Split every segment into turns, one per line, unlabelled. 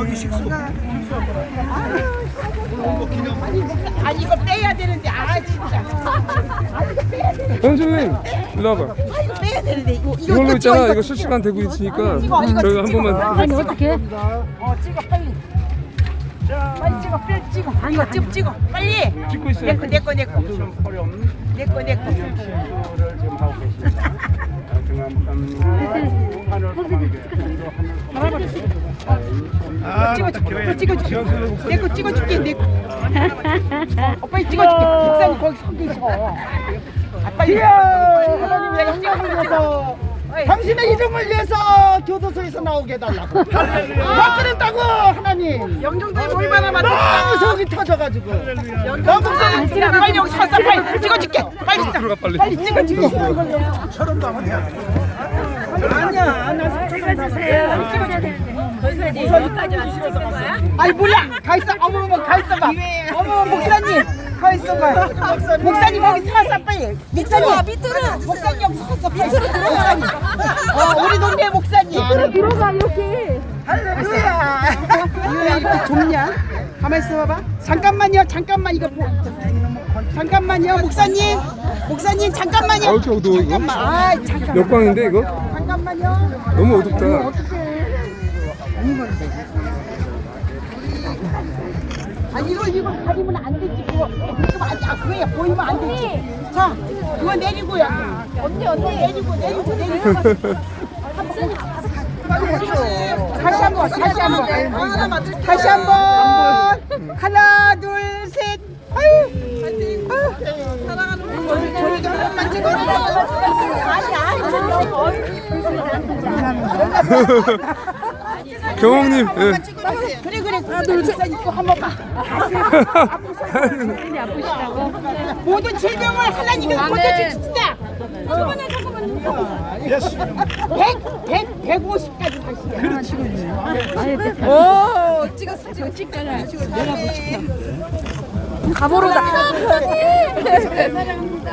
여기 식수.
아니 이거 빼야 되는데 진짜. 이거 빼야 되는데.
형수님 일로 와봐.
이거 빼야 되는데 이거
이걸로 있잖아. 이거 실시간 되고 있으니까 저희가 한 번만.
아니 어떻게?
찍어 빨리. 빨리 찍어 빨리 찍어. 이거 찍어 빨리.
찍고 있어요.
내거
시험 어려움
내거.
시를 지금 하고 계십니다.
찍어줄게. 내거 찍어줄게. 내거. 빨리 찍어줄게. 목사님 거기 서 계셔. 빨리. 하나님 내가 힘을 위해서 당신의 이름을 위해서 교도소에서 나오게 해달라고. 막그랬다고 하나님. 영종도에 얼마나 많다. 너무 속이 터져가지고. 영종도에 빨리 여기 서서 빨리 찍어줄게. 빨리
들어가 빨리.
빨리 찍어줄게.
철원도 한번 해야 돼.
아니야. 나
여기까지 와서 찍는 거야?
아니 몰라. 가 있어. 어머머 가 있어봐. 어머 목사님 가 있어봐. 목사님 거기 서서 빨리. 목사님
밑으로
목사님 여기 서서 빨리. 목사님. 우리 동네 목사님.
들어가 여기.
할렐루야. 이거 이렇게 좁냐? 가만 있어봐. 잠깐만요. 잠깐만 이거 잠깐만요. 목사님 잠깐만요.
어우, 저 어두워, 이거?
잠깐만. 잠깐만.
몇 광인데 이거?
잠깐만요.
너무 어둡다.
아니 이거 가리면 안 되지. 그거 그거야 보이면 안 되지. 자 그거 내리고요.
언니.
내리고. 다시 한번. 하나 둘 셋. 아유. 사랑하는 저를 좀 한번만
경홍님. 예.
그래. 하나 둘 셋 입고 한 번만.
아프시다고?
모든 질병을 하나님께서 고쳐주신다. 저번에 잠깐만. 150까지 다시야.
오 찍었어. 찍잖아. 내가 못 찍혀. 가보로다. 사랑합니다.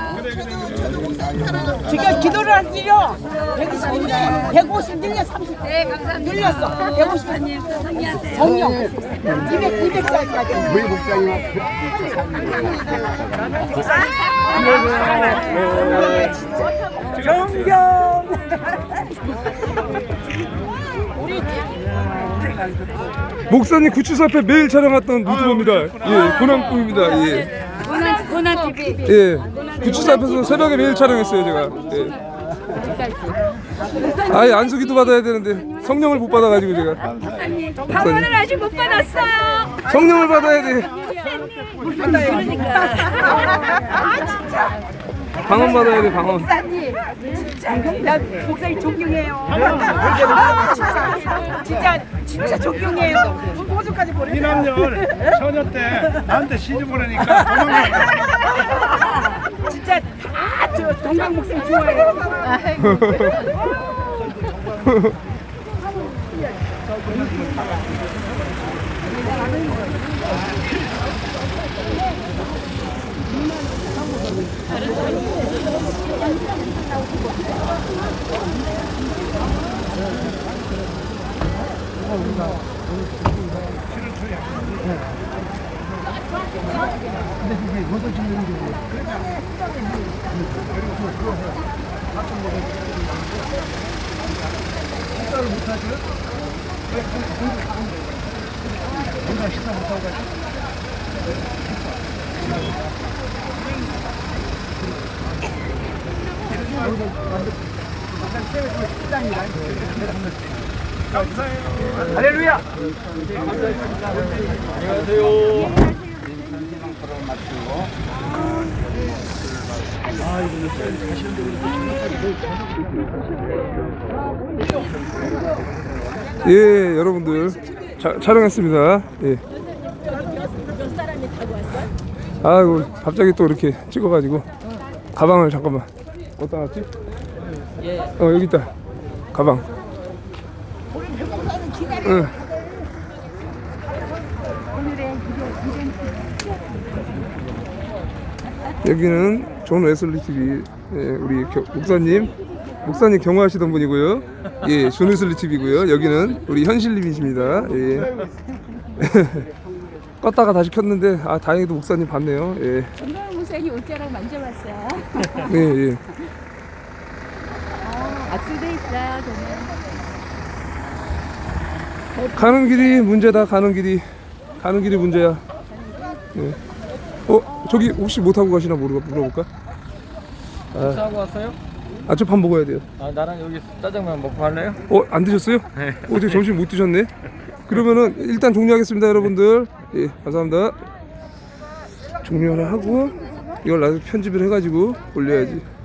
지금 기도를 하기로 150 늘려 30.
네 감사합니다.
늘렸어. 150.
정리하세요.
정령 200살까지.
우리 목사님
정경.
목사님 구치소 앞에 매일 촬영했던 유튜버입니다. 예, 고난꿈입니다. 예.
고난 TV.
예. 구치소 앞에서 새벽에 매일 촬영했어요, 제가. 예. 아예 안수기도 받아야 되는데 성령을 못 받아가지고 제가.
방언을 아직 못 받았어요.
성령을 받아야 돼.
그러니까.
방언 받아야 돼, 방언.
목사님 진짜 나 목사님 존경해요. 진짜 존경해요. 호주까지 보내.
이남년 처녀 때 나한테 시집 보내니까 도망갔다.
진짜 다저 동강 목사님 좋아해요.
할렐루야.
예, 여러분들 촬영했습니다. 예. 아이고 갑자기 또 이렇게 찍어가지고 가방을 잠깐만 어디다 놨지? 여기 있다. 가방. 응. 여기는 존 웨슬리 TV 우리 목사님 목사님 경호하시던 분이고요. 예, 조느슬리 TV고요. 여기는 우리 현실님이십니다. 예. 껐다가 다시 켰는데 아 다행히도 목사님 봤네요. 예.
정강 목사님 옷자락 만져봤어요.
예, 예.
악수돼 있어요, 저는.
가는 길이 문제다. 가는 길이 문제야. 예. 저기 혹시 못 타고 가시나 물어볼까?
하고 왔어요?
아, 저 밥 먹어야 돼요.
아 나랑 여기 짜장면 먹고 할래요?
안 드셨어요? 어제 점심 못 드셨네. 그러면은 일단 종료하겠습니다, 여러분들. 예, 감사합니다. 종료를 하고 이걸 나중에 편집을 해가지고 올려야지.